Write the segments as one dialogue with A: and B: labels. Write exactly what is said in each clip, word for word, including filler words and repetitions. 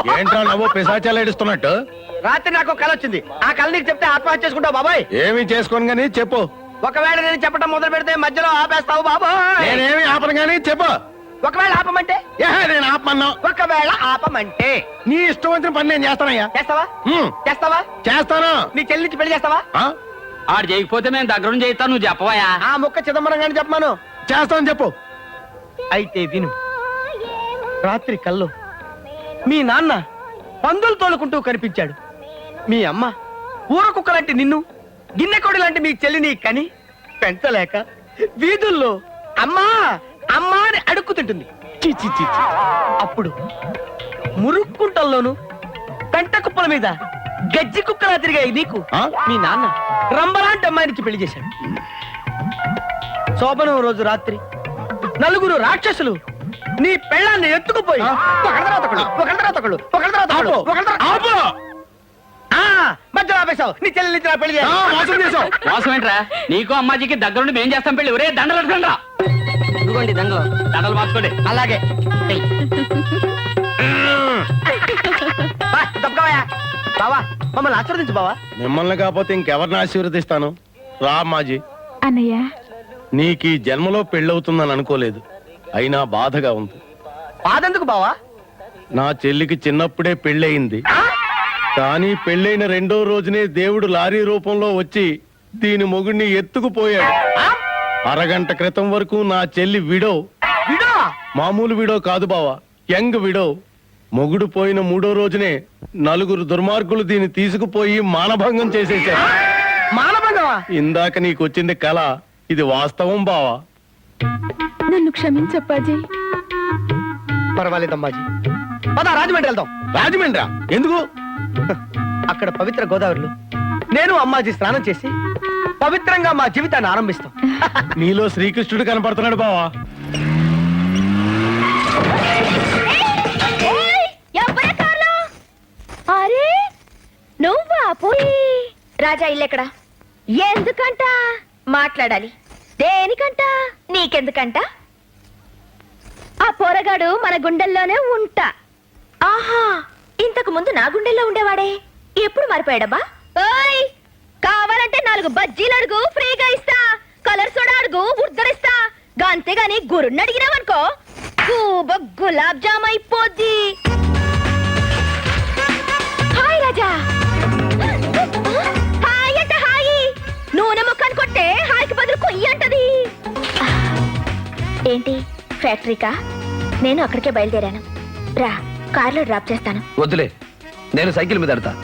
A: ఏంట్రా నవ్వు పిశాచాలు ఏడుస్తున్నట్టు?
B: రాత్రి నాకు కళ వచ్చింది. ఆ కళ నీకు చెప్తే ఆత్మహత్య చేసుకుంటావు బాబాయ్.
A: ఏమి చేసుకోను గానీ చెప్పు.
B: ఒకవేళ నేను చెప్పడం మొదలు పెడితే మధ్యలో ఆపేస్తావు బాబాయ్.
A: నేనేమి ఆపను గానీ చెప్పు.
B: ఒకవేళ ఆపమంటే?
A: ఏహే, నేను ఆపమన్నా.
B: ఒకవేళ ఆపమంటే
A: నీ ఇష్టం వచ్చిన పని నేను చేస్తానయ్యా.
B: చేస్తావా?
A: హ్మ్.
B: చేస్తావా?
A: చేస్తాను.
B: నీ చెల్లి నుంచి పెళ్లి చేస్తావా?
A: ఆ?
C: ఆడు చేయకపోతే మేము దగ్గర చేయిస్తాను, నువ్వు చెప్పవయా.
B: ఆ ముక్క చిదంబరం గాని చెప్పమాను.
A: చేస్తాను చెప్పు.
B: అయితే విను. రాత్రి కల్లో మీ నాన్న పందులు తోలుకుంటూ కనిపించాడు. మీ అమ్మ ఊర కుక్క లాంటి నిన్ను, గిన్నెకోడి లాంటి మీ చెల్లిని కని పెంచలేక వీధుల్లో అమ్మా అమ్మా అని అడుక్కుతుంటుంది. చి చి చి చి. అప్పుడు మురుక్కుంటల్లోను పెంట కుప్పల మీద గజ్జి కుక్కలా తిరిగాయి నీకు
A: ఆ?
B: మీ నాన్న రంబలాంటి అమ్మాయినికి పెళ్లి చేశాడు. శోభనం రోజు రాత్రి నలుగురు రాక్షసులు నీ పెళ్ళాన్ని ఎత్తుకుపోయి
A: ఆ?
B: ఒకళ్ళ తర్వాత ఒకళ్ళు, ఒకళ్ళ తర్వాత ఒకళ్ళు, ఒకళ్ళ తర్వాత ఒకళ్ళు,
A: ఆపు.
B: ఒకళ్ళ తర్వాత-
A: ఆపు.
B: ఆ, మధ్యలో ఆపేశావు. నీ చెల్లెలు ఇచ్చిన పెళ్లి
A: ఆ,
B: చేయాలి.
A: మోసం చేసావు.
C: మోసం ఏంట్రా? నీకు అమ్మాజీకి దగ్గరుండి మేం చేస్తాం పెళ్లి. ఒరే దండలు పెట్టుకోండి రా.
B: ఇదిగోండి దండలు.
C: దండలు మార్చుకోండి.
B: అలాగే ఏయ్. బా, తప్పుకోవయ్యా. బావా మమ్మల్ని ఆశీర్వదించు బావా.
A: మిమ్మల్ని కాకపోతే ఇంకెవరిని ఆశీర్వదిస్తాను? రా మాజీ.
D: అన్నయ్య
A: నీకు ఈ జన్మలో పెళ్ళవుతుందని అనుకోలేదు, అయినా బాధగా ఉంది.
B: బాధెందుకు బావా?
A: నా చెల్లికి చిన్నప్పుడే పెళ్ళయింది, కానీ పెళ్ళైన రెండో రోజునే దేవుడు లారీ రూపంలో వచ్చి దీని మొగుడిని ఎత్తుకుపోయాడు.
B: ఆ?
A: అరగంట క్రితం వరకు నా చెల్లి విడో.
B: విడో?
A: మామూలు విడో కాదు బావా, యంగ్ విడో. మొగుడు పోయిన మూడో రోజునే నలుగురు దుర్మార్గులు దీన్ని తీసుకుపోయి మానభంగం చేసేశారు.
B: మానభంగమా?
A: ఇందాక నీకొచ్చింది కళ, ఇది వాస్తవం బావా.
D: నన్ను క్షమించప్పాజీ.
B: పర్వాలేదమ్మాజీ. పద రాజమండ్రి వెళ్దాం.
A: రాజమండ్రా? ఎందుకు?
B: అక్కడ పవిత్ర గోదావరిలో నేను అమ్మాజీ స్నానం చేసి పవిత్రంగా మా జీవితాన్ని ఆరంభిస్తాం.
A: నీలో శ్రీకృష్ణుడు కనపడుతున్నాడు బావా.
D: అరే నువ్వా పోయి రాజా ఇల్లెక్కడా? ఎందుకంట మాట్లాడాలి. దేనికంట? నీకెందుకంట? ఆ పోరగాడు మన గుండెల్లోనే ఉంటా. ఆహా, ఇంతకు ముందు నా గుండెల్లో ఉండేవాడే, ఎప్పుడు మారిపోయాడబ్బా? ఓయ్, కావాలంటే నాలుగు బజ్జీలు అడుగు, ఫ్రీగా ఇస్తా. కలర్ సోడా అడుగు, ఉద్దరిస్తా. అంతేగాని గురుణ్ణి అడిగినావనుకో గూబ గులాబ్ జామ్ అయిపోద్ది. హాయ్ రాజా. హాయ్ అంటే హాయి, నూనె ముక్కను కొట్టే హాయికి బదులు కొయ్యి అంటది. ఏంటి ఫ్యాక్టరీకా? నేను అక్కడికే బయలుదేరాను. రా, కార్లో డ్రాప్ చేస్తాను.
E: వద్దులే, నేను సైకిల్ మీద ఎడతా.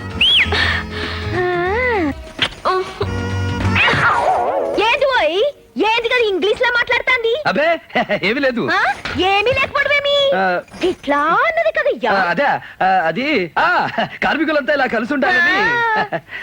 D: ఏంటి పోయి ఏంటి కదా ఇంగ్లీష్ లో మాట్లాడుతాంది?
E: అబే ఏమీ లేదు.
D: ఆ? ఏమీ లేకపోవడమేమి?
E: ఆ,
D: ఇట్లా అన్నది కదయ్యా.
E: ఆ, అదే ఆ, అది ఆ, కార్మికులంతా ఇలా కలిసి ఉండాలని.
D: ఆ,